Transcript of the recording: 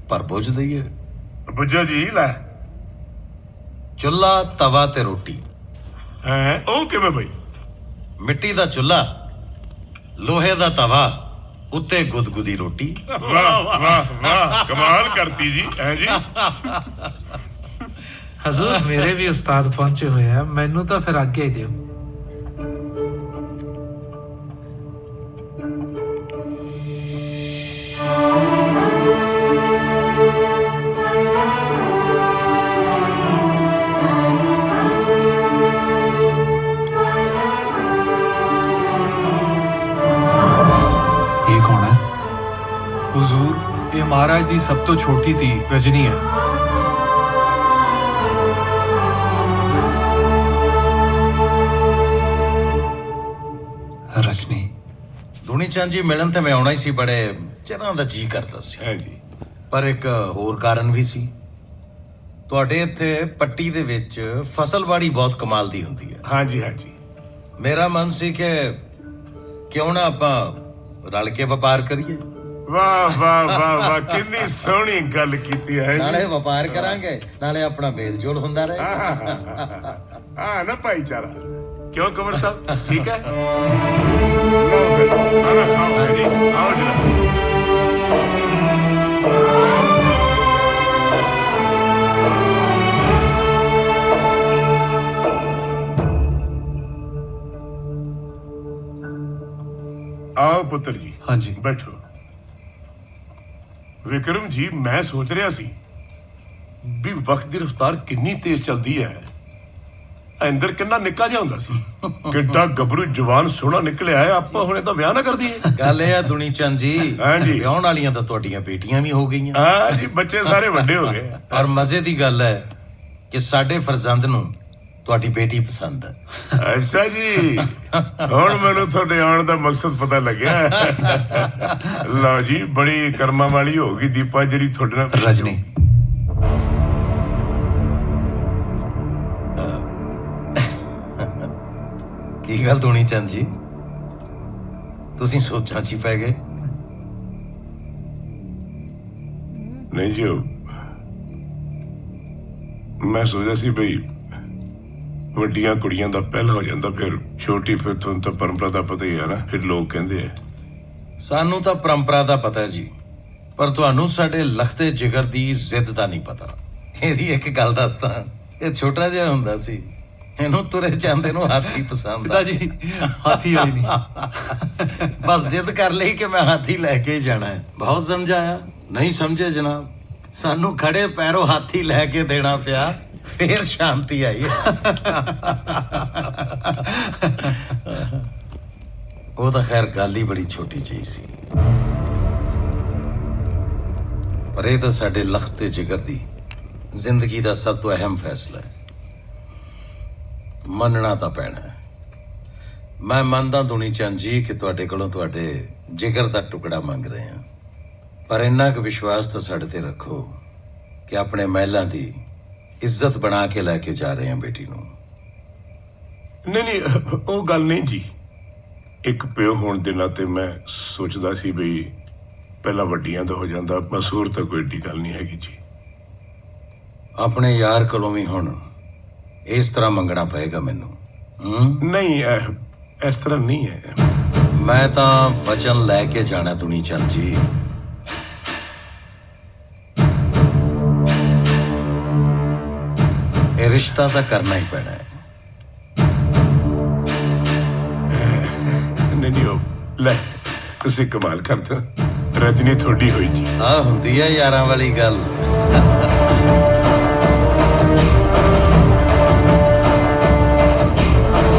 ਪਰ ਬੁੱਝ ਦਈਏ। ਬੁੱਝੋ ਜੀ ਲੈ। ਚੁੱਲ੍ਹਾ, ਤਵਾ ਤੇ ਰੋਟੀ। ਹੈ ਉਹ ਕਿਵੇਂ ਬਈ? ਮਿੱਟੀ ਦਾ ਚੁੱਲ੍ਹਾ, ਲੋਹੇ ਦਾ ਤਵਾ, ਉੱਤੇ ਗੁਦਗੁਦੀ ਰੋਟੀ। ਵਾਹ ਵਾਹ ਵਾਹ, ਕਮਾਲ ਕਰਤੀ ਜੀ। ਹੈ ਜੀ। ਹਜ਼ੂਰ ਮੇਰੇ ਵੀ ਉਸਤਾਦ ਪਹੁੰਚੇ ਹੋਏ ਆ, ਮੈਨੂੰ ਤਾਂ ਫਿਰ ਆਗਿਆ ਹੀ ਦਿਓ। ਇਹ ਕੌਣ ਹੈ? ਹੁਜ਼ੂਰ, ਇਹ ਮਹਾਰਾਜ ਦੀ ਸਭ ਤੋਂ ਛੋਟੀ ਧੀ ਰਜਨੀ ਹੈ। ਰਜਨੀ, ਦੁਨੀ ਚੰਦ ਜੀ ਮਿਲਣ ਤੇ ਮੈਂ ਆਉਣਾ ਹੀ ਸੀ, ਬੜੇ ਚਿਰਾਂ ਦਾ ਜੀ ਕਰਦਾ ਸੀ। ਹੈ ਜੀ। ਪਰ ਇੱਕ ਹੋਰ ਕਾਰਨ ਵੀ ਸੀ। ਤੁਹਾਡੇ ਇੱਥੇ ਪੱਟੀ ਦੇ ਵਿੱਚ ਫਸਲਬਾੜੀ ਬਹੁਤ ਕਮਾਲ ਦੀ ਹੁੰਦੀ ਹੈ। ਹਾਂਜੀ ਹਾਂਜੀ। ਮੇਰਾ ਮਨ ਸੀ ਕਿ ਕਿਉਂ ਨਾ ਆਪਾਂ ਰਲ ਕੇ ਵਪਾਰ ਕਰੀਏ। ਵਾਹ ਵਾਹ ਵਾਹ ਵਾਹ, ਕਿੰਨੀ ਸੋਹਣੀ ਗੱਲ ਕੀਤੀ ਹੈ ਨਾਲੇ ਜੀ। ਵਪਾਰ ਕਰਾਂਗੇ, ਨਾਲੇ ਆਪਣਾ ਮੇਲ ਜੋਲ ਹੁੰਦਾ ਰਹੇ। ਹਾਂ ਨਾ ਭਾਈਚਾਰਾ। ਕਿਉਂ ਕੰਵਰ ਸਾਹਿਬ, ਠੀਕ ਹੈ? ਲਓ ਫਿਰ, ਖਾਣਾ ਖਾਓ ਜੀ। ਆਓ ਜਨਾਬ। ਆਓ ਪੁੱਤਰ ਜੀ, ਹਾਂਜੀ। ਬੈਠੋ। ਵਿਕਰਮ ਜੀ, ਮੈਂ ਸੋਚ ਰਿਹਾ ਸੀ ਵੀ ਵਕਤ ਦੀ ਰਫ਼ਤਾਰ ਕਿੰਨੀ ਤੇਜ਼ ਚੱਲਦੀ ਹੈ। ਇੰਦਰ ਕਿੰਨਾ ਨਿੱਕਾ ਜਿਹਾ ਹੁੰਦਾ ਸੀ, ਕਿੱਡਾ ਗੱਭਰੂ ਜਵਾਨ ਸੋਹਣਾ ਨਿਕਲਿਆ ਹੈ। ਆਪਾਂ ਹੁਣੇ ਤਾਂ ਵਿਆਹ ਨਾ ਕਰ ਦਈਏ। ਗੱਲ ਇਹ ਆ ਦੁਨੀ ਚੰਦ ਜੀ, ਹਾਂਜੀ। ਵਿਆਹਣ ਵਾਲੀਆਂ ਤਾਂ ਤੁਹਾਡੀਆਂ ਬੇਟੀਆਂ ਵੀ ਹੋ ਗਈਆਂ। ਹਾਂ ਜੀ, ਬੱਚੇ ਸਾਰੇ ਵੱਡੇ ਹੋ ਗਏ। ਔਰ ਮਜ਼ੇ ਦੀ ਗੱਲ ਹੈ ਕਿ ਸਾਡੇ ਫਰਜ਼ੰਦ ਨੂੰ ਤੁਹਾਡੀ ਬੇਟੀ ਪਸੰਦ ਹੈ। ਅੱਛਾ ਜੀ, ਹੁਣ ਮੈਨੂੰ ਤੁਹਾਡੇ ਆਉਣ ਦਾ ਮਕਸਦ ਪਤਾ ਲੱਗਿਆ। ਲਓ ਜੀ, ਬੜੀ ਕਰਮਾਂ ਵਾਲੀ ਹੋ ਗਈ ਦੀਪਾ ਜਿਹੜੀ ਤੁਹਾਡੇ ਨਾਲ। ਰਜਨੀ, ਕੀ ਗੱਲ ਦੁਨੀ ਚੰਦ ਜੀ, ਤੁਸੀਂ ਸੋਚਾਂ 'ਚ ਹੀ ਪੈ ਗਏ? ਨਹੀਂ ਜੀ, ਮੈਂ ਸੋਚਿਆ ਸੀ ਬਈ ਵੱਡੀਆਂ ਕੁੜੀਆਂ ਦਾ ਪਹਿਲ ਹੋ ਜਾਂਦਾ, ਫਿਰ ਛੋਟੀ, ਫਿਰ ਤੁਹਾਨੂੰ ਤਾਂ ਪਰੰਪਰਾ ਦਾ ਪਤਾ ਹੀ ਹੈ ਨਾ, ਫਿਰ ਲੋਕ ਕਹਿੰਦੇ ਆ। ਸਾਨੂੰ ਤਾਂ ਪਰੰਪਰਾ ਦਾ ਪਤਾ ਹੈ ਜੀ, ਪਰ ਤੁਹਾਨੂੰ ਸਾਡੇ ਲਖਤੇ ਜਿਗਰ ਦੀ ਜ਼ਿੱਦ ਦਾ ਨਹੀਂ ਪਤਾ। ਇਹਦੀ ਇੱਕ ਗੱਲ ਦੱਸਦਾ, ਇਹ ਛੋਟਾ ਜਿਹਾ ਹੁੰਦਾ ਸੀ, ਇਹਨੂੰ ਤੁਰੇ ਜਾਂਦੇ ਨੂੰ ਹਾਥੀ ਪਸੰਦ ਪਿਤਾ ਆ। ਜੀ, ਹਾਥੀ ਹੋਈ ਨਹੀਂ। ਬਸ ਜ਼ਿੱਦ ਕਰ ਲਈ ਕਿ ਮੈਂ ਹਾਥੀ ਲੈ ਕੇ ਹੀ ਜਾਣਾ ਹੈ। ਬਹੁਤ ਸਮਝਾਇਆ, ਨਹੀਂ ਸਮਝੇ ਜਨਾਬ। ਸਾਨੂੰ ਖੜੇ ਪੈਰੋਂ ਹਾਥੀ ਲੈ ਕੇ ਦੇਣਾ ਪਿਆ, ਫੇਰ ਸ਼ਾਂਤੀ ਆਈ। ਉਹ ਤਾਂ ਖੈਰ ਗੱਲ ਹੀ ਬੜੀ ਛੋਟੀ ਜਿਹੀ ਸੀ, ਪਰ ਇਹ ਤਾਂ ਸਾਡੇ ਲਖਤ ਤੇ ਜਿਗਰ ਦੀ ਜ਼ਿੰਦਗੀ ਦਾ ਸਭ ਤੋਂ ਅਹਿਮ ਫੈਸਲਾ ਹੈ। ਮੰਨਣਾ ਤਾਂ ਪੈਣਾ ਹੈ। ਮੈਂ ਮੰਨਦਾ ਦੁਨੀ ਚੰਦ ਜੀ ਕਿ ਤੁਹਾਡੇ ਕੋਲੋਂ ਤੁਹਾਡੇ ਜਿਗਰ ਦਾ ਟੁਕੜਾ ਮੰਗ ਰਹੇ ਹਾਂ, ਪਰ ਇੰਨਾ ਕੁ ਵਿਸ਼ਵਾਸ ਤਾਂ ਸਾਡੇ ਤੇ ਰੱਖੋ ਕਿ ਆਪਣੇ ਮਹਿਲਾਂ ਦੀ ਇੱਜ਼ਤ ਬਣਾ ਕੇ ਲੈ ਕੇ ਜਾ ਰਹੇ ਹਾਂ ਬੇਟੀ ਨੂੰ। ਨਹੀਂ ਨਹੀਂ, ਉਹ ਗੱਲ ਨਹੀਂ ਜੀ। ਇੱਕ ਪਿਓ ਹੋਣ ਦੇ ਨਾਤੇ ਮੈਂ ਸੋਚਦਾ ਸੀ ਬਈ ਪਹਿਲਾਂ ਵੱਡੀਆਂ ਦਾ ਹੋ ਜਾਂਦਾ, ਮਸੂਰ ਤਾਂ ਕੋਈ ਏਡੀ ਗੱਲ ਨਹੀਂ ਹੈਗੀ ਜੀ। ਆਪਣੇ ਯਾਰ ਕੋਲੋਂ ਵੀ ਹੁਣ ਇਸ ਤਰ੍ਹਾਂ ਮੰਗਣਾ ਪਏਗਾ ਮੈਨੂੰ? ਨਹੀਂ, ਇਸ ਤਰ੍ਹਾਂ ਨਹੀਂ ਹੈ। ਮੈਂ ਤਾਂ ਵਚਨ ਲੈ ਕੇ ਜਾਣਾ ਦੁਨੀ ਚੰਦ ਜੀ। ਇਹ ਰਿਸ਼ਤਾ ਤਾਂ ਕਰਨਾ ਹੀ ਪੈਣਾ ਹੈ। ਨਹੀਂ ਉਹ ਲੈ, ਤੁਸੀਂ ਕਮਾਲ ਕਰਦੇ ਹੋ। ਰਜਨੀ ਤੁਹਾਡੀ ਹੋਈ ਜੀ। ਆ ਹੁੰਦੀ ਹੈ ਯਾਰਾਂ ਵਾਲੀ ਗੱਲ।